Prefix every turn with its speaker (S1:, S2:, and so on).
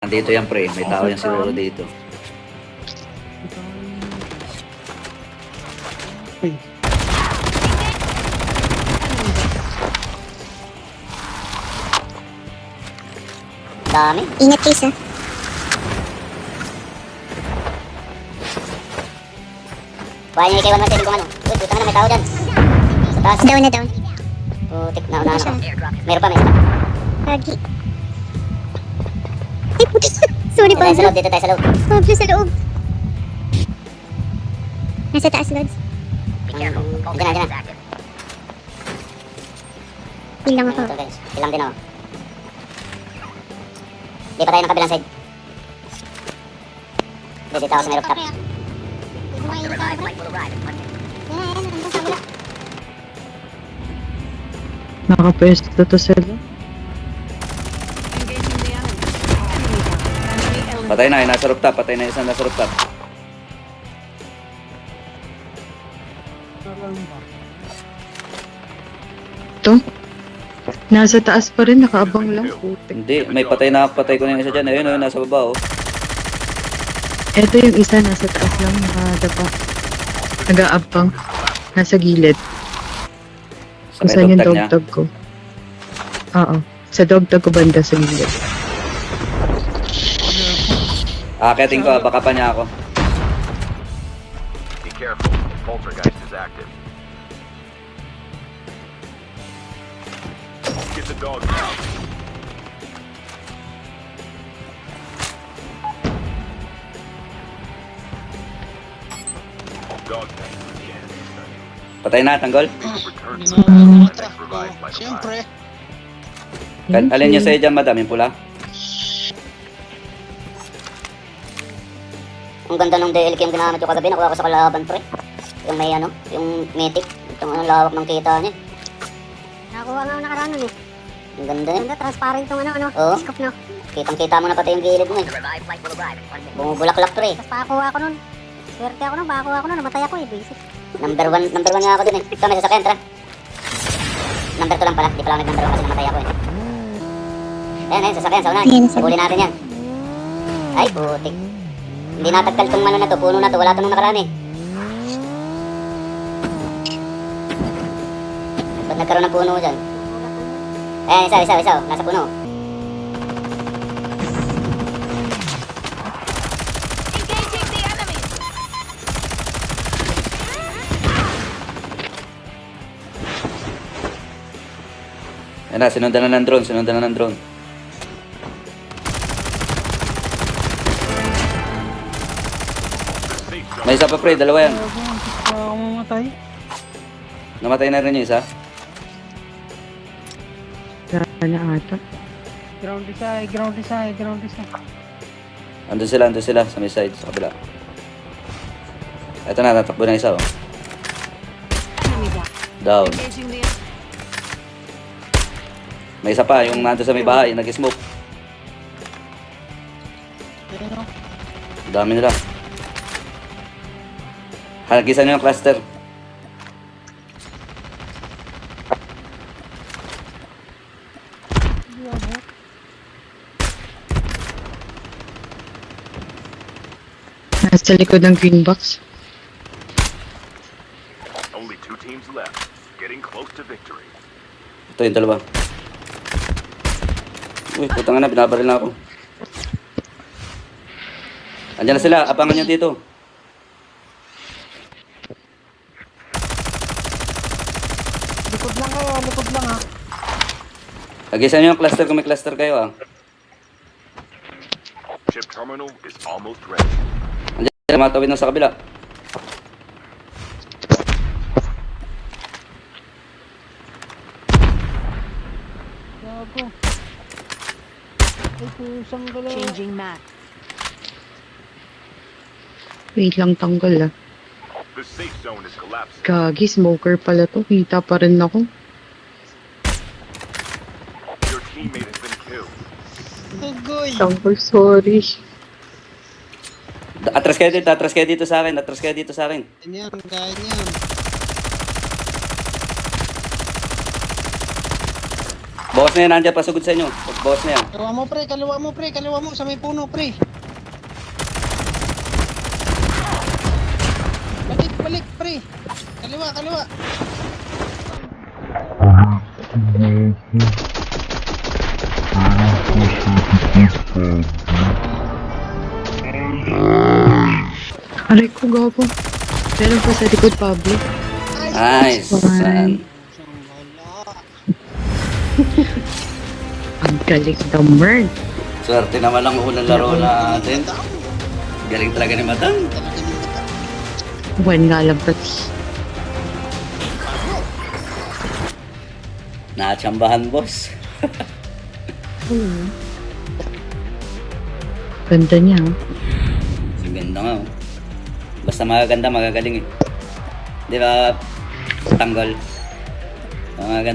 S1: Dito yan pre, may tao yan siguro dito.
S2: Uy.
S3: Dami.
S4: Ingat case ah.
S3: Kuha niyo kay 117 kung ano. Uy, puta na, may tao dyan. Sa taas.
S4: Down na down.
S3: Putik na unahan ako. Meron pa, may isa.
S4: Lagi. Ay, puti. Sorry,
S3: Dito tayo sa
S4: Pablo.
S3: loob, dito tayo sa loob.
S4: Pablo sa loob. Nasa taas, Lods.
S3: Diyan na, diyan na.
S4: Heal lang ako.
S3: Ito guys, ilang din ako. Di pa tayo ng kabilang side. Di, dito ako sa may rooftop.
S2: Nakapwesto to sila.
S1: Patay na, yung nasa rooftop. Patay na isang nasa rooftop.
S2: Ito? Nasa taas pa rin, nakaabang lang. Putik.
S1: Hindi, may patay na. Patay ko na yung isa dyan. Ayun, ayun, nasa baba oh.
S2: Ito yung isa, nasa taas lang, nakadapa. Nag-aabang. Nasa gilid.
S1: Sa
S2: Kung
S1: may
S2: saan yung
S1: dogtag niya.
S2: dog-tag ko. Oo. Sa dog-tag ko banda sa gilid.
S1: Akitin ko, baka pa niya ako.
S5: Be careful. Poltergeist is active. Get the dog out. Dog tank again.
S1: Patay na, tanggol.
S5: Return to the next revived by the
S6: Siyempre.
S1: Alin niyo sa'yo dyan, madam, yung pula?
S3: Ang ganda ng DLK yung ginamit ko kagabi, nakuha ko sa kalaban pre. Yung may ano, yung mythic. Itong ano, lawak ng kita niya.
S4: Nakakuha nga ako nakaraan nun eh.
S3: Ang ganda eh.
S4: Ganda, transparent tong ano,
S3: Oo.
S4: scope no.
S3: Kitang-kita mo na pati yung gilid mo eh. Bumubulaklak pre.
S4: Tapos pakakuha ako nun. Swerte ako nun, pakakuha ako nun, namatay ako eh, basic.
S3: Number one nga ako dun eh. Ito, may sasakyan, tara. Number 2 lang pala, di pala ako nag-number 1 kasi namatay ako eh. Ayan, ayan, sasakyan, sa unahan.
S4: Ayan, sasakyan.
S3: Huli natin yan. Ay, putik. Hindi natagkal tong ano na to, puno na to, wala to nung nakaraan eh. Ba't nagkaroon ng puno dyan? Ayan, isa, oh, nasa puno.
S1: Ayan na, sinundan na ng drone, sinundan na ng drone. May isa pa pre, dalawa yan.
S6: Mamatay.
S1: Namatay na rin yung isa.
S2: Sana ata.
S6: Ground isa.
S1: Andun sila sa may side, sa kabila. Eto na, tatakbo na isa oh. Down. May isa pa, yung nandun sa may bahay, nag-smoke. Dami nila. Halagisan nyo yung cluster.
S2: Nasa likod ng green box.
S5: Only 2 teams left. Getting close to victory.
S1: Ito yung dalawa. Uy, putang na, binabaril na ako. Andiyan na sila, abangan nyo dito.
S6: Likod lang ha.
S1: Hagisan nyo yung cluster kung may cluster kayo ah.
S5: Chip terminal is almost ready.
S1: Andiyan, matawid na sa kabila.
S6: Gago. Ay, kusang dalawa.
S7: Changing map.
S2: Wait lang, tanggal ah.
S5: The safe zone is collapsing.
S2: Gagi, smoker pala to. Kita pa rin ako.
S5: Your teammate has been killed.
S6: Gugoy.
S2: Tanggal, sorry.
S1: Atras kayo dito sa akin, atras kayo dito sa akin.
S6: Ganyan, ganyan.
S1: Boss na yan, nandiyan pasugod sa inyo. Boss na yan.
S6: Kaliwa mo pre, kaliwa mo pre, kaliwa mo sa may puno pre. Balik, balik pre. Kaliwa, kaliwa.
S2: Aray ko, gapo. Meron pa sa likod, Pablo.
S1: Nice. San.
S2: Ang galing the merd.
S1: Swerte naman ang unang laro natin. Galing talaga ni Matang.
S2: Buwan nga lang pati.
S1: Nakatsambahan, boss.
S2: Ganda niya. Oh.
S1: Ang ganda nga. Basta magaganda, magagaling eh. Di ba? Tanggol. Magaganda.